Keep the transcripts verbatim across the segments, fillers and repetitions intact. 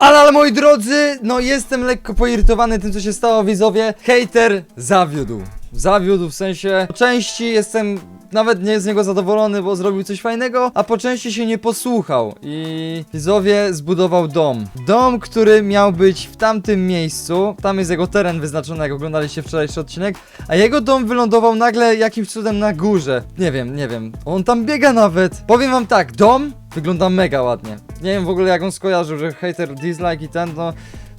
Ale, ale moi drodzy, no jestem lekko poirytowany tym, co się stało, widzowie. Hejter zawiódł. Zawiódł, w sensie po części jestem nawet nie z niego zadowolony, bo zrobił coś fajnego, a po części się nie posłuchał i widzowie zbudował dom. Dom, który miał być w tamtym miejscu, tam jest jego teren wyznaczony, jak oglądaliście wczorajszy odcinek, a jego dom wylądował nagle jakimś cudem na górze. Nie wiem, nie wiem, on tam biega nawet. Powiem wam tak, dom wygląda mega ładnie. Nie wiem w ogóle jak on skojarzył, że hater dislike i ten, no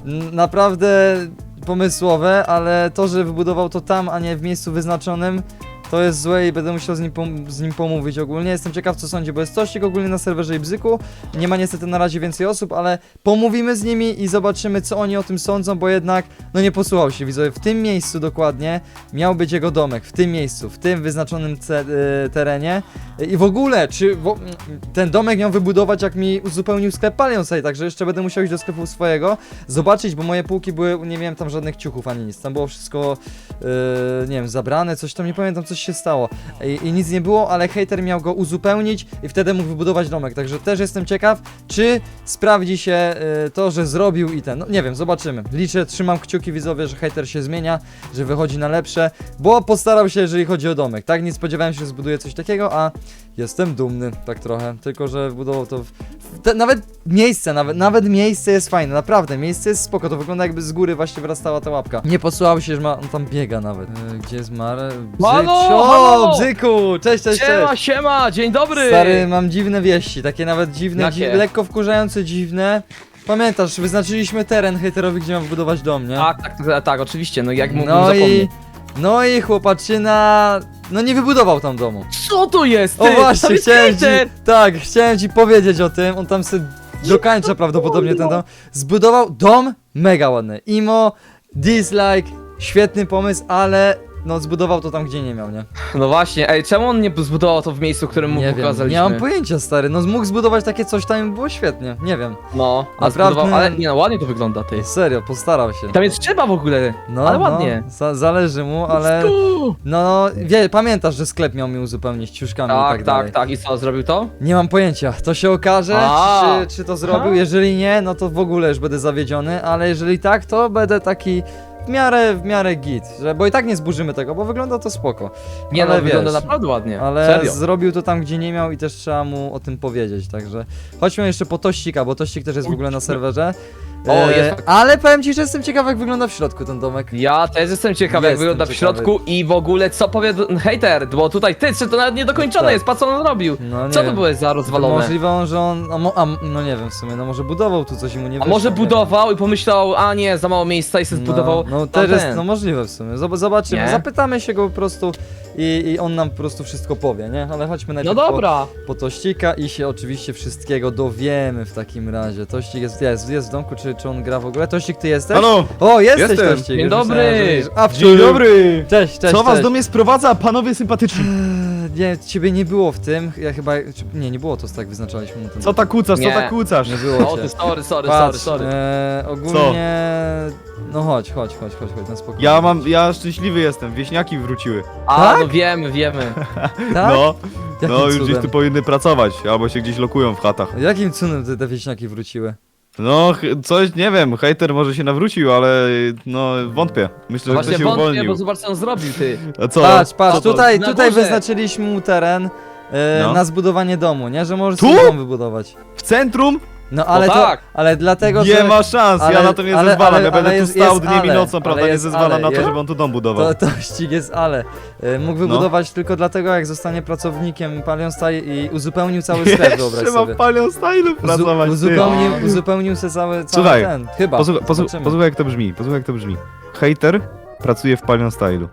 naprawdę pomysłowe, ale to, że wybudował to tam, a nie w miejscu wyznaczonym, to jest złe i będę musiał z nim, z nim pomówić ogólnie. Jestem ciekaw, co sądzi, bo jest Tościk ogólnie na serwerze i Bzyku. Nie ma niestety na razie więcej osób, ale pomówimy z nimi i zobaczymy, co oni o tym sądzą, bo jednak, no nie posłuchał się, widzowie. W tym miejscu dokładnie miał być jego domek, w tym miejscu, w tym wyznaczonym y, terenie. I w ogóle, czy wo ten domek miał wybudować, jak mi uzupełnił sklep Palionside, także jeszcze będę musiał iść do sklepu swojego, zobaczyć, bo moje półki były, nie miałem tam żadnych ciuchów ani nic. Tam było wszystko, yy, nie wiem, zabrane, coś tam, nie pamiętam, coś się stało. I, I nic nie było, ale hater miał go uzupełnić i wtedy mógł wybudować domek, także też jestem ciekaw, czy sprawdzi się yy, to, że zrobił i ten, no nie wiem, zobaczymy. Liczę, trzymam kciuki, widzowie, że hater się zmienia, że wychodzi na lepsze, bo postarał się, jeżeli chodzi o domek, tak? Nie spodziewałem się, że zbuduje coś takiego, a jestem dumny, tak trochę, tylko że wbudował to w... w te, nawet miejsce, nawet, nawet miejsce jest fajne, naprawdę, miejsce jest spoko, to wygląda jakby z góry właśnie wyrastała ta łapka. Nie posłuchał się, że ma, on tam biega nawet. Yy, gdzie jest Mare? Bzyk, Halo, o, halo! Bzyku, cześć, cześć, Siema, cześć. siema, dzień dobry! Stary, mam dziwne wieści, takie nawet dziwne, Jakie? dzi lekko wkurzające, dziwne. Pamiętasz, wyznaczyliśmy teren hejterowi, gdzie mam wybudować dom, nie? Tak, tak, tak, tak, oczywiście, no jak mógłbym No i... zapomnieć. No i chłopaczyna... No nie wybudował tam domu. Co to jest, ty? O właśnie, Tam jest chciałem ci, hejter! tak, chciałem ci powiedzieć o tym, on tam sobie dokańcza prawdopodobnie ten dom. Zbudował dom mega ładny, imo, dislike, świetny pomysł, ale no zbudował to tam, gdzie nie miał, nie? No właśnie, ej, czemu on nie zbudował to w miejscu, w którym mu Nie wiem, pokazaliśmy? nie mam pojęcia, stary, no mógł zbudować takie coś tam i było świetnie, nie wiem. No, a Naprawdę- zbudował, ale nie no, ładnie to wygląda, ty. Serio, postarał się. Tam jest trzeba w ogóle, No, ale no, ładnie. za zależy mu, ale Sku! no, wie, pamiętasz, że sklep miał mi uzupełnić ciuszkami i Tak, tak tak, dalej. tak, i co, zrobił to? Nie mam pojęcia, to się okaże, A. czy, czy to zrobił, Ha. jeżeli nie, no to w ogóle już będę zawiedziony, ale jeżeli tak, to będę taki w miarę, w miarę git, że, bo i tak nie zburzymy tego, bo wygląda to spoko. Nie ale no, wygląda wiesz, naprawdę ładnie, ale serio. zrobił to tam, gdzie nie miał i też trzeba mu o tym powiedzieć, także chodźmy jeszcze po Tościka, bo Tościk też jest w ogóle na serwerze. O, jest tak- ale powiem ci, że jestem ciekaw, jak wygląda w środku ten domek. Ja też jestem ciekaw, jak Jestem wygląda w ciekawy. środku i w ogóle co powie d- hejter, bo tutaj ty, czy to nawet niedokończone Tak. jest, patrz co on robił. No, nie Co to wiem. było za rozwalone? Możliwe, że on, a, mo, a no nie wiem w sumie, no może budował tu coś i mu nie A wyszło, może nie wiem. budował i pomyślał, a nie, za mało miejsca i sobie zbudował No, no też jest, tamten. no możliwe w sumie. Zob- Zobaczymy, Nie? zapytamy się go po prostu i, i on nam po prostu wszystko powie, nie? Ale chodźmy No najpierw dobra. po, po Tościka i się oczywiście wszystkiego dowiemy w takim razie. Tościk jest, jest, jest w domku, czy, czy on gra w ogóle? Tościk, ty jesteś? Halo! O, jesteś Jestem. Tościk! Dzień Już dobry. myślałem, że- A, Dzień dobry! Cześć, cześć, Co was cześć. do mnie sprowadza, panowie sympatyczni? Eee, Nie, ciebie nie było w tym, ja chyba, czy, nie, nie było to, tak wyznaczaliśmy mu ten Co tak kłócasz, co Nie. tak kłócasz? Nie było O cię. ty, sorry, sorry, Patrz, sorry, sorry. eee, ogólnie, no chodź, chodź, chodź, chodź, chodź, na spokojnie. Ja mam, ja szczęśliwy jestem, wieśniaki wróciły. A, tak? no wiemy, wiemy. Tak? No, Jakim no już cudem? gdzieś tu powinny pracować, albo się gdzieś lokują w chatach. Jakim cudem te, te wieśniaki wróciły? No, ch- coś, nie wiem, hejter może się nawrócił, ale no wątpię. Myślę, No że właśnie ktoś się wątpię, uwolnił. bo zobacz co on zrobił, ty. A co? Patrz, patrz, Co to? tutaj, Na tutaj górze. wyznaczyliśmy mu teren e, No. na zbudowanie domu, nie? Że możesz Tu? sobie dom wybudować. W centrum? No ale tak. to, ale dlatego, Nie że... ma szans, ale- ja na to nie ale- zezwalam, ale- ja będę ale tu jest- stał jest dniem i ale, nocą, prawda, ale nie jest zezwalam ale, na to, jest- żeby on tu dom budował. To, to ścig jest ale. E, mógł No. wybudować tylko dlatego, jak zostanie pracownikiem Palionside i uzupełnił cały sklep, wyobraź Jeszcze sobie. mam palion stylu pracować, Uzu, ty. uzupełnił, uzupełnił sobie cały, cały Słuchaj, ten, chyba. Posłuchaj, posłuchaj, Zobaczymy. posłuchaj jak to brzmi, posłuchaj jak to brzmi. Hejter pracuje w Palion Stylu.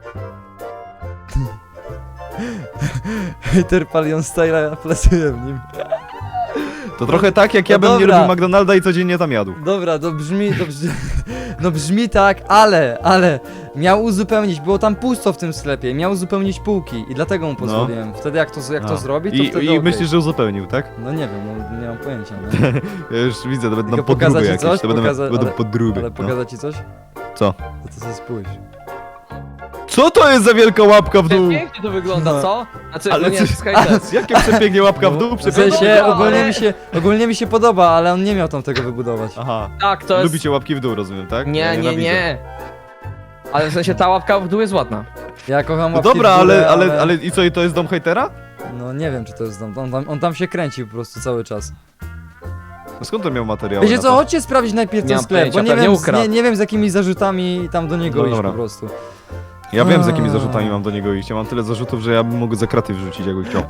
Hater Palionside pracuje w nim. To trochę tak jak ja No bym nie dobra. lubił McDonalda i codziennie tam jadł. Dobra, to brzmi, to brzmi, no brzmi tak, ale, ale miał uzupełnić, było tam pusto w tym sklepie, miał uzupełnić półki i dlatego mu pozwoliłem. Wtedy jak to, jak to A. zrobi, to I, wtedy i okej. myślisz, że uzupełnił, tak? No nie wiem, no, nie mam pojęcia, no. Ja już widzę, to będą Tylko podróby pokazać ci jakieś, coś? to będą, Pokaza- będą ale- podróby. Ale no. pokazać ci coś? Co? To, to sobie spójrz. Co to jest za wielka łapka w dół? Pięknie to wygląda, No. co? Znaczy, Ale no nie, co- Skytest. Jakie przepięknie łapka w dół? W Przepięknie. sensie, dobra, ogólnie ale- mi się, ogólnie mi się podoba, ale on nie miał tam tego wybudować. Aha. Tak, to jest... Lubicie łapki w dół, rozumiem, tak? Ja Nie, nie, nienawidzę. nie. Ale w sensie ta łapka w dół jest ładna. Ja kocham No łapki dobra, w górę, ale, ale, ale i co, i to jest dom hejtera? No nie wiem, czy to jest dom. On tam, on tam się kręci po prostu cały czas. No skąd to miał materiał? Wiecie co, chodźcie sprawdzić najpierw Nie ten mam sklep, bo pojęcia, nie pewnie wiem, z, ukradł. nie, nie wiem z jakimi zarzutami tam do niego No iść dobra. po prostu. Ja wiem, z jakimi A. zarzutami mam do niego iść. Ja mam tyle zarzutów, że ja bym mógł za kraty wrzucić, jakby chciał.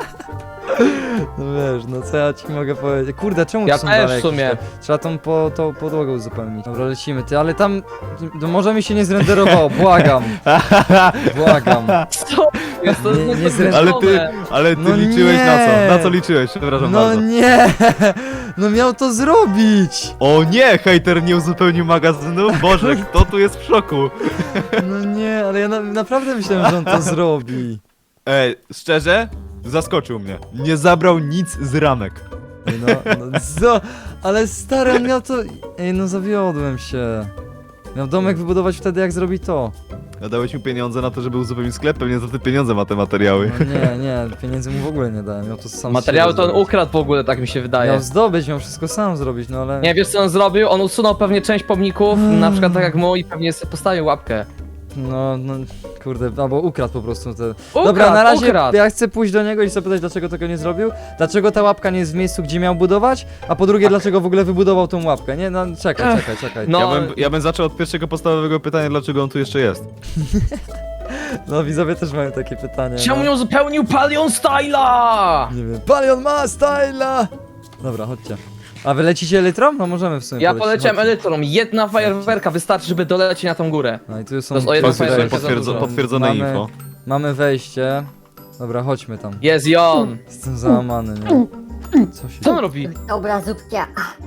No wiesz, no co ja ci mogę powiedzieć. Kurde, czemu Ja to są też dalej w sumie. jakieś te- Trzeba tą, po, tą podłogę uzupełnić. Dobra, lecimy, ty, ale tam... To może mi się nie zrenderowało, błagam. Błagam. Co? Jest to Nie- nie niezręczone. Ale ty, ale ty No liczyłeś na nie. co? Na co liczyłeś? Przepraszam No bardzo. nie! No miał to zrobić! O nie, hejter nie uzupełnił magazynu? Boże, kto tu jest w szoku? No nie, ale ja na, naprawdę myślałem, że on to zrobi. Ej, szczerze? Zaskoczył mnie. Nie zabrał nic z ramek. Ej, No, no co? Ale stary, on miał to... Ej, no zawiodłem się. Miał domek wybudować wtedy, jak zrobi to. Ja dałeś mu pieniądze na to, żeby uzupełnić sklep, pewnie za te pieniądze ma te materiały. No nie, nie, pieniędzy mu w ogóle nie dałem. Miał to sam z Materiały siebie to on zrobić. ukradł w ogóle, tak mi się wydaje. Miał zdobyć, miał wszystko sam zrobić, no ale... Nie, wiesz co on zrobił? On usunął pewnie część pomników, Mm. na przykład tak jak mój, i pewnie sobie postawił łapkę. No, no, kurde, albo ukradł po prostu te... Ukradł, Dobra, na razie ukradł. ja chcę pójść do niego i zapytać, dlaczego tego nie zrobił, dlaczego ta łapka nie jest w miejscu, gdzie miał budować, a po drugie, dlaczego w ogóle wybudował tą łapkę, nie? No, czekaj, czekaj, czekaj. No. Ja, bym, ja bym zaczął od pierwszego podstawowego pytania, dlaczego on tu jeszcze jest. No, widzowie też mają takie pytanie. Czemu no. nie uzupełnił Palion Styla? Nie wiem, Palion ma styla! Dobra, chodźcie. A wy lecicie elytrą? No możemy w sumie Ja polecieć, poleciałem chodźcie. elytrą, jedna fajerwerka wystarczy, żeby dolecieć na tą górę. No i tu są... To jest o jedną tutaj- fajerwerkę Potwierdzo, za dużo. potwierdzone Mamy- info. Mamy wejście. Dobra, chodźmy tam. Jest i on. Jestem załamany, nie? Co się... Co on robi? Dobra, zupkia.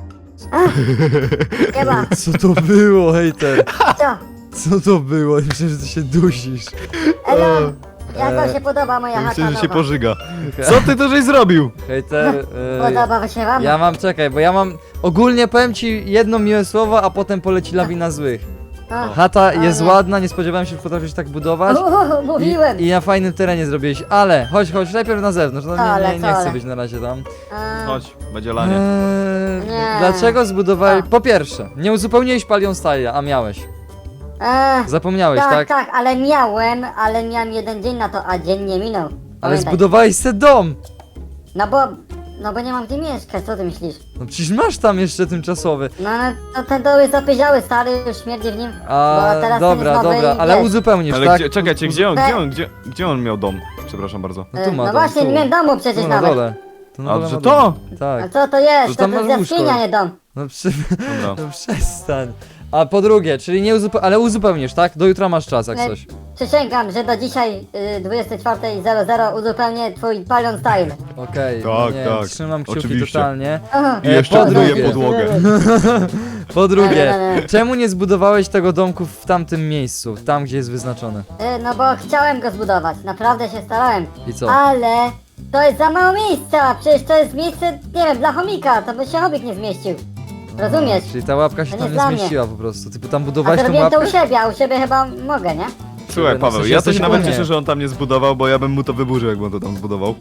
Chyba, Co to było, hejter? co? Co to było? Myślę, że ty się dusisz. Elo, jak E, wam się podoba moja chata Myślę, że się nowa? pożyga. Co ty to żeś zrobił? Hejter, yy, Podoba się wam? ja mam, czekaj, bo ja mam, ogólnie powiem ci jedno miłe słowo, a potem poleci lawina złych. O, Chata jest nie. ładna, nie spodziewałem się, że potrafisz tak budować. Uuu, mówiłem. I, I na fajnym terenie zrobiłeś, ale chodź, chodź, najpierw na zewnątrz, no nie, Ale nie, co, nie chcę ale? być na razie tam. A, Chodź, będzie lanie. Eee, Nie. dlaczego zbudowałeś, A. po pierwsze, nie uzupełniłeś Palion Style'a, a miałeś. e, Zapomniałeś, tak, tak? tak, ale miałem, ale miałem jeden dzień na to, a dzień nie minął. Ale Pamiętaj. zbudowałeś se dom! No bo, no bo nie mam gdzie mieszkać, co ty myślisz? No przecież masz tam jeszcze tymczasowy. No, no to ten dom jest zapyziały, stary, już śmierdzi w nim. A, bo teraz dobra, ten jest nowy dobra, i ale wiesz. uzupełnisz, Ale tak? gdzie, czekajcie, Uzu- gdzie on, Te- gdzie on, gdzie, gdzie on miał dom? Przepraszam bardzo. No tu E, ma no dom, właśnie, tu. nie miałem domu przecież Tu na nawet. dole. Tu na A, dole że ma to? dom. A Tak. co to jest? To To, tam to masz jest łóżko. jaskinia, nie dom. No, przy... Dobra. no przestań. A po drugie, czyli nie uzupełnisz, ale uzupełnisz, tak? Do jutra masz czas, jak Nie. coś. Przysięgam, że do dzisiaj y, dwudziestej czwartej zero zero uzupełnię twój Palion Style. Okej, no Tak, nie, tak. trzymam kciuki Oczywiście. totalnie. Aha. I E, jeszcze po buduje drugie. podłogę. Po drugie, Nie, nie, nie. czemu nie zbudowałeś tego domku w tamtym miejscu, tam gdzie jest wyznaczone? Y, No bo chciałem go zbudować, naprawdę się starałem. I co? Ale to jest za mało miejsca, przecież to jest miejsce, nie wiem, dla chomika, to by się chomik nie zmieścił. Rozumiesz? Czyli ta łapka się To tam nie nie dla mnie. zmieściła po prostu. Ty tam A budowałeś to tą robiłem to łapkę? u siebie, a u siebie chyba mogę, nie? Słuchaj, No, w Paweł, sensie ja to jesteś się nawet ogólnie. cieszę, że on tam nie zbudował, bo ja bym mu to wyburzył, jakby on to tam zbudował.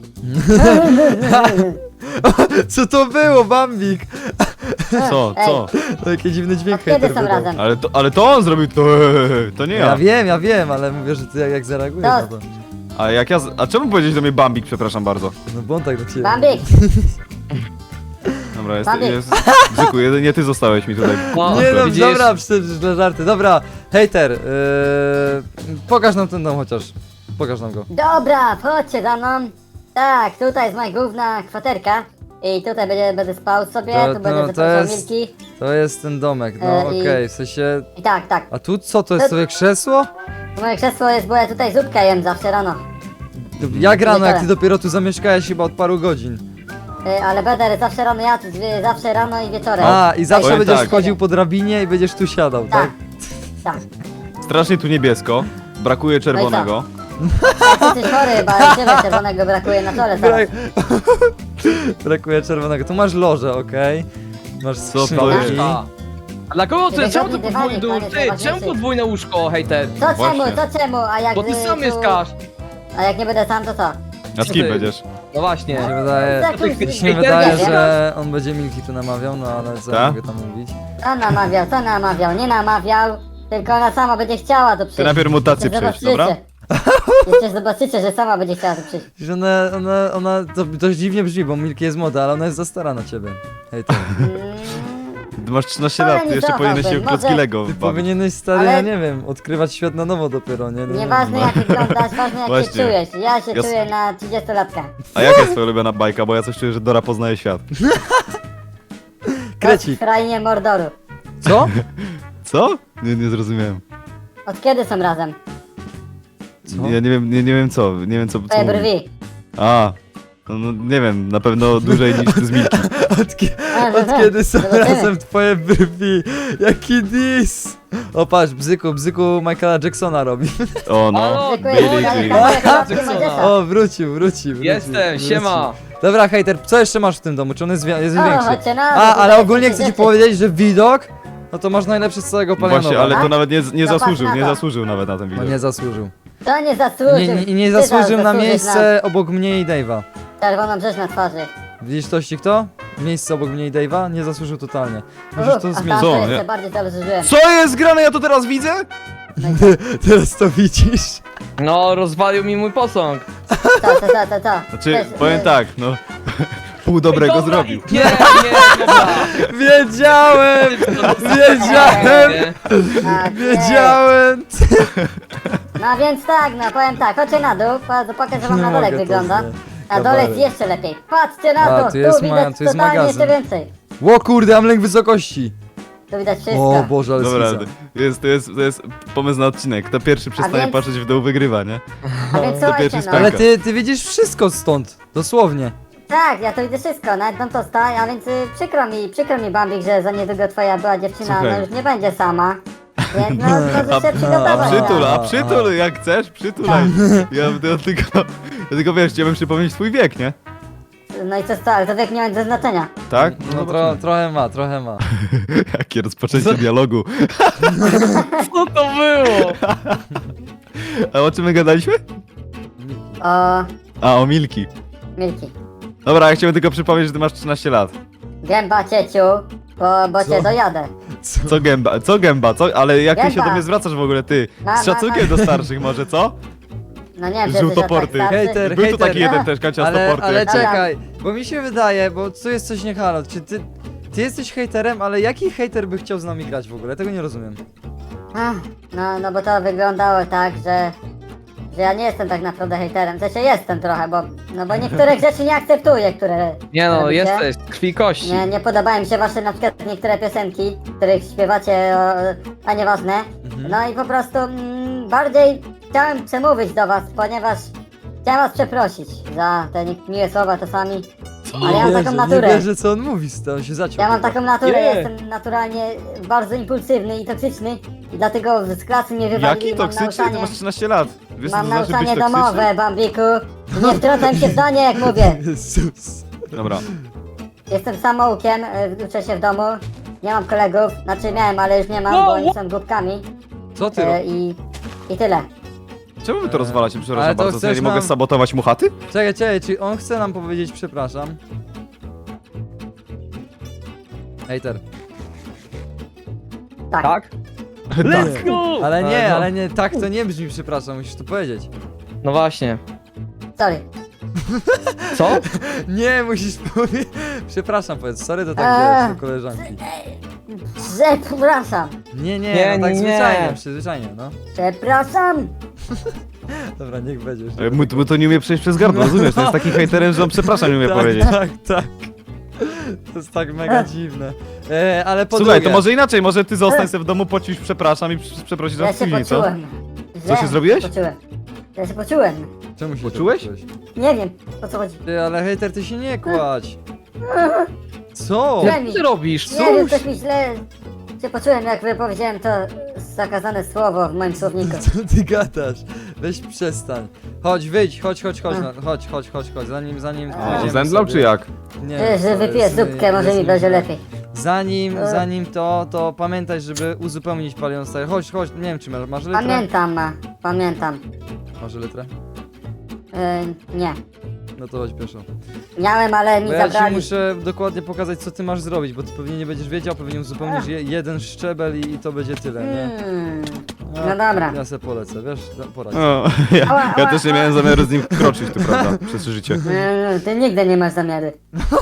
Co to było, Bambik? Co, Ej, co? Jakie dziwny dźwięk Od kiedy hejter są wydał. razem? Ale to, ale to on zrobił to, to nie Ja ja. wiem, ja wiem, ale mówię, że ty jak, jak zareagujesz na to. A jak ja, z- a czemu powiedzieć do mnie Bambik, przepraszam bardzo. No bo on tak do ciebie. Bambik, Dobra, jest, Bambik. jest, Bzyku, jedynie ty zostałeś mi tutaj. No, Nie no, widzisz? dobra, przecież dla żarty. Dobra, hejter, yy, pokaż nam ten dom chociaż. Pokaż nam go. dobra, chodźcie za mną. Tak, tutaj jest moja główna kwaterka. I tutaj będzie, będę spał sobie, To- tu no, będę to zapraszał jest- wilki. To jest ten domek, no E, okej, i- w sensie... I tak, tak. A tu co, to jest To- sobie krzesło? Moje krzesło jest, bo ja tutaj zupkę jem zawsze rano. Jak rano, jak ty Wieczorem. dopiero tu zamieszkałeś chyba od paru godzin. Y, ale będę zawsze rano jadł, y, zawsze rano i wieczorem. A, i zawsze Powiem będziesz tak. wchodził po drabinie i będziesz tu siadał, tak? Tak, tak. Strasznie tu niebiesko, brakuje czerwonego. Ty jesteś chory chyba, ciebie czerwonego brakuje na czole teraz. Brak... Brakuje czerwonego. Tu masz loże, okej? Masz Co to skrzynki. jest? A, A dla kogo ty? Wygodny Czemu to dywanik, podwójne panie, łóżko? Ty, najważniejszy. czemu podwójne łóżko, hejter? Co czemu, Właśnie. co czemu, a jak... Bo ty y, sam tu- mieszkasz. A jak nie będę sam, to co? A z kim Ty. będziesz? No właśnie. Mi się wydaje, Tak, ty już- chcesz mi się hejter? wydaje, Nie wiem. że on będzie Milki tu namawiał, no ale co ja Tak? mogę tam mówić? Co namawiał, co namawiał, nie namawiał, tylko ona sama będzie chciała tu przyjść. Ty najpierw mutację Jeszcze przejść, dobra? zobaczycie. Jeszcze zobaczycie, że sama będzie chciała tu przyjść. Że ona, ona, ona, to dość dziwnie brzmi, bo Milki jest młoda, ale ona jest za stara na ciebie. Hej, ty. Mm, Ty masz trzynaście lat, ty jeszcze powinieneś się w klocki Może- Lego Ty bawić. powinieneś, stary, Ale- ja nie wiem, odkrywać świat na nowo dopiero, nie? nie Nieważne jak wyglądasz, ważne jak się Właśnie. czujesz. Ja się Ja s- czuję na trzydziestolatka. A jaka jest twoja ulubiona bajka? Bo ja coś czuję, że Dora poznaje świat. Krecik. W krainie Mordoru. Co? Co? Nie, nie zrozumiałem. Od kiedy są razem? Co? Ja nie wiem, nie, nie wiem co, nie wiem co, co Twoje mówi. brwi. A, no, no nie wiem, na pewno dłużej niż ty z Milki. Od, kie- od kiedy są Zobaczymy. razem twoje brwi? Jaki dis! O patrz, bzyku, bzyku Michaela Jacksona robi. O no, Halo, Dziękuję, Billie ale Jean. kawałek łapki Jacksona. Mojżesza. O, wrócił, wrócił, wrócił. Jestem, wrócił. siema. Dobra, hejter, co jeszcze masz w tym domu? Czy on jest, wi- jest O, większy? chodźcie na A, dół, ale tutaj ogólnie takie chcę ci rzeczy. powiedzieć, że widok, no to masz najlepszy z całego Palianowa. Właśnie, ale to tak? nawet nie, nie Zobacz zasłużył, na nie to. zasłużył nawet na ten No widok. nie zasłużył. To nie zasłużył. Nie, nie, nie Ty zasłużył na zasłużysz miejsce obok mnie i Dave'a. Na czerwoną rzecz na twarzy. Widzisz tości kto? Miejsce obok mnie i Dave'a? Nie zasłużył totalnie. Musisz Uf, to a zmienić. tam Co, to nie? jeszcze bardziej zasłużyłem. Co jest grane? Ja to teraz widzę? Teraz to widzisz. No, rozwalił mi mój posąg. Co, co, co, co, co? Znaczy, Też, powiem y, tak, no. Pół dobrego Dobra, zrobił. Nie, nie, dobra. Wiedziałem! Wiedziałem! Nie. tak, Wiedziałem! No więc tak, no powiem tak, chodźcie na dół, po- pokażę wam Nie na dole jak mogę to wygląda. znać. Na dole jest Kabaret. jeszcze lepiej. Patrzcie na A, to, tu jest tu moja- widać tu jest totalnie magazyn. jeszcze więcej. Ło kurde, mam lęk wysokości! Tu widać wszystko. O Boże, ale Dobra, skiza. jest, to, jest, to jest pomysł na odcinek. Kto pierwszy przestanie więc- patrzeć w dół, wygrywa, nie? A więc to słuchajcie pierwszy no. spęka. Ale ty, ty widzisz wszystko stąd, dosłownie. Tak, ja to widzę wszystko, nawet tam to sta, a więc y, przykro mi, przykro mi Bambik, że za niedługo twoja była dziewczyna, Słuchaj. no już nie będzie sama. Więc no, proszę się A przygotować. przytul, a A, przytul, jak chcesz, przytulaj. Ja, ja tylko, ja tylko wiesz, chciałbym przypomnieć twój wiek, nie? No i co sta, ale to wiek nie ma nic do znaczenia. Tak? No tro, trochę ma, trochę ma. Jakie rozpoczęcie dialogu. Co to było? A o czym my gadaliśmy? O, A, o Milki. Milki. Dobra, ja chciałem tylko przypomnieć, że ty masz trzynaście lat. Gęba cieciu, bo, bo cię Co? dojadę. Co? Co gęba, co gęba, co? Ale jak ty się Gęba. do mnie zwracasz w ogóle, ty? Ma- ma- Z szacunkiem do starszych może, co? No nie wiem, czy jesteś Żółtoporty. aż tak starszy. Hejter. Był tu taki hejter. jeden też, kancia Ale, stoporty. ale jak- czekaj, bo mi się wydaje, bo tu jest coś nie halo, czy ty... Ty jesteś hejterem, ale jaki hejter by chciał z nami grać w ogóle? Tego nie rozumiem. Ach, no, no bo to wyglądało tak, że... Że ja nie jestem tak naprawdę hejterem, w sensie jestem trochę, bo... No bo niektórych rzeczy nie akceptuję, które... Nie no, robicie. jesteś z krwi i kości. Nie, nie podobają mi się wasze na przykład niektóre piosenki, których śpiewacie, o, a nieważne. Mhm. No i po prostu mm, bardziej chciałem przemówić do was, ponieważ chciałem was przeprosić za te nie- miłe słowa czasami. Ale ja mam Nie taką wierzę, naturę. Nie wierzę, co on mówi, to on się zaciął. Ja mam taką naturę, Nie. jestem naturalnie bardzo impulsywny i toksyczny i dlatego z klasy mnie wywalili. Jaki mam toksyczny? Ty nauczanie, masz trzynaście lat. Wiesz, co mam to znaczy być nauczanie toksyczny? domowe, Bambiku. Nie wtrącam się w zdanie, jak mówię. Jezus. Dobra. Jestem samoukiem, y, uczę się w domu. Nie mam kolegów, znaczy miałem, ale już nie mam, bo oni są głupkami. Co ty E, robisz? I, I tyle. Czemu wy to rozwalacie? ale Przepraszam to bardzo, co ja chcesz nie mogę nam- sabotować mu chaty? Czekaj, czekaj, czy on chce nam powiedzieć przepraszam? Hejter. Tak. Tak? Let's go! Ale nie, no. ale nie, tak to nie brzmi przepraszam, musisz to powiedzieć. No właśnie. Sorry. Co? Nie, musisz powiedzieć. Przepraszam, powiedz, sorry, to tak Eee. wiesz, do koleżanki. Przepraszam. Nie, nie, Nie, no tak nie. zwyczajnie, przyzwyczajnie, no. Przepraszam. Dobra, niech będzie już. E, Mu, mu to nie umie przejść przez gardło, rozumiesz? To jest taki hejterem, że on przepraszam nie umie tak, powiedzieć. Tak, tak. To jest tak mega dziwne. E, ale po Słuchaj, drugie, to może inaczej, może ty zostań sobie w domu, pocisz przepraszam i przy- przeprosisz Ja nas się później, co? poczułem. Co się Źle zrobiłeś? Poczułem. Ja się poczułem. Czemu się Poczułeś? tak poczułeś? Nie wiem, o co chodzi. Ty, ale hejter, ty się nie kładź. Co? Źle Co mi. ty robisz? Nie wiem, coś mi źle się poczułem, jak wypowiedziałem to zakazane słowo w moim słowniku. Co ty gadasz? Weź przestań. Chodź, wyjdź, chodź, chodź, chodź, no, chodź, chodź, chodź, chodź, zanim, zanim A. pójdziemy Zemdlał sobie. czy jak? Nie Że, że co, wypiję jest- zupkę, może jest mi będzie źle. lepiej. zanim, E. zanim to, to pamiętaj, żeby uzupełnić Palion Style. Chodź, chodź, nie wiem czy masz, masz litrę? Pamiętam, ma, pamiętam. Masz litrę? Yy, nie. No to chodź pieszo. Miałem, ale mi Bo ja ci zabrali. muszę dokładnie pokazać, co ty masz zrobić, bo ty pewnie nie będziesz wiedział, pewnie uzupełnisz je, jeden szczebel i, i to będzie tyle, nie? Hmm. A, No dobra. Ja se polecę, wiesz, no, poradź. O, ja, Ała, ja ała, też nie ała. miałem zamiaru z nim kroczyć, tu prawda, przez życie. Yy, ty nigdy nie masz zamiary.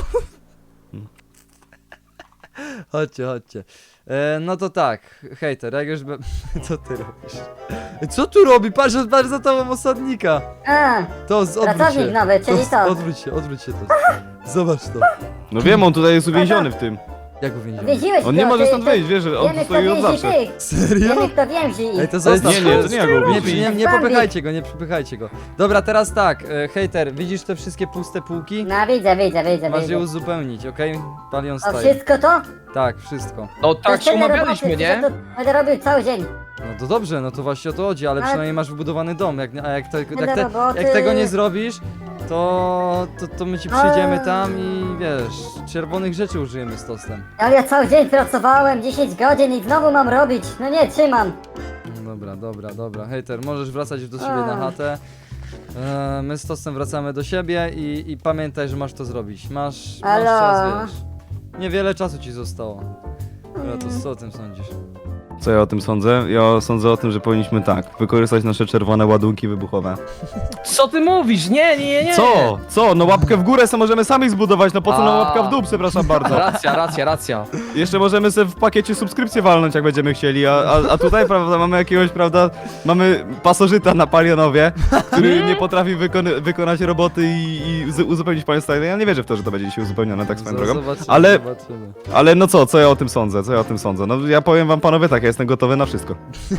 Chodźcie, chodźcie. E, no to tak, hejter, jak już... Be... Co ty robisz? Co tu robi? Patrz, patrz za tobą osadnika. A, To, z- odwróć Pracownik się. nowy, czyli to, co? Odwróć się, odwróć się to. Zobacz to. No wiem, on tutaj jest uwięziony w tym. Jak uwięziony? Więziłeś On nie go, może ty- stąd ty- wyjść, wiesz, że on Wiemy, tu kto stoi od więzi zawsze. tych. Serio? Wiemy, kto więzi ich. Ej, to zostaw. Nie, nie, to nie ja go Nie, lubię. nie, nie Bambi. popychajcie go, nie popychajcie go. Dobra, teraz tak, e, hejter, widzisz te wszystkie puste półki? No widzę, widzę, widzę, Masz je widzę. uzupełnić, okej? Palion O, Style. wszystko to? Tak, wszystko. No To tak się tyle umawialiśmy, roboty, nie? że to Będę robił cały dzień. No to dobrze, no to właśnie o to chodzi, ale Ale- przynajmniej masz wybudowany dom, jak, a jak, te, jak, Tyle te, roboty. jak tego nie zrobisz, to, to, to my ci przyjdziemy tam i wiesz, czerwonych rzeczy użyjemy z tostem. Ale ja cały dzień pracowałem, dziesięć godzin i znowu mam robić. No nie, trzymam. No dobra, dobra, dobra. Hejter, możesz wracać już do siebie A. na chatę. E, my z tostem wracamy do siebie i, i pamiętaj, że masz to zrobić. Masz, masz Halo? czas, wiesz. Niewiele czasu ci zostało. Dobra, to co o tym sądzisz? Co ja o tym sądzę? Ja sądzę o tym, że powinniśmy tak, wykorzystać nasze czerwone ładunki wybuchowe. Co ty mówisz? Nie, nie, nie, nie. Co? Co? No łapkę w górę sobie możemy sami zbudować, no po co nam A. łapka w dół, przepraszam bardzo. Racja, racja, racja. Jeszcze możemy sobie w pakiecie subskrypcję walnąć, jak będziemy chcieli, a, a, a tutaj, prawda, mamy jakiegoś, prawda, mamy pasożyta na Palionowie, który nie potrafi wykony, wykonać roboty i, i z- uzupełnić państwa. Ja nie wierzę w to, że to będzie dzisiaj uzupełnione tak swoją Z- drogą. Zobaczymy, Ale, zobaczymy. ale no co, co ja o tym sądzę, co ja o tym sądzę? No ja powiem wam panowie tak, ja jestem gotowy na wszystko.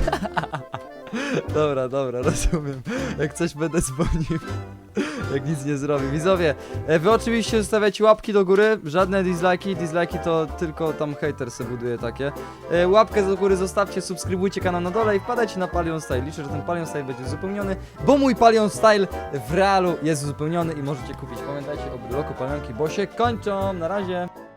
Dobra, dobra, rozumiem. Jak coś będę dzwonił. Jak nic nie zrobię. Widzowie, e, wy oczywiście zostawiacie łapki do góry, żadne dislike'i, dislike'i to tylko tam hater se buduje takie. E, łapkę do góry zostawcie, subskrybujcie kanał na dole i wpadajcie na Palion Style. Liczę, że ten Palion Style będzie uzupełniony, bo mój Palion Style w realu jest uzupełniony i możecie kupić. Pamiętajcie o bryloku palionki, bo się kończą. Na razie.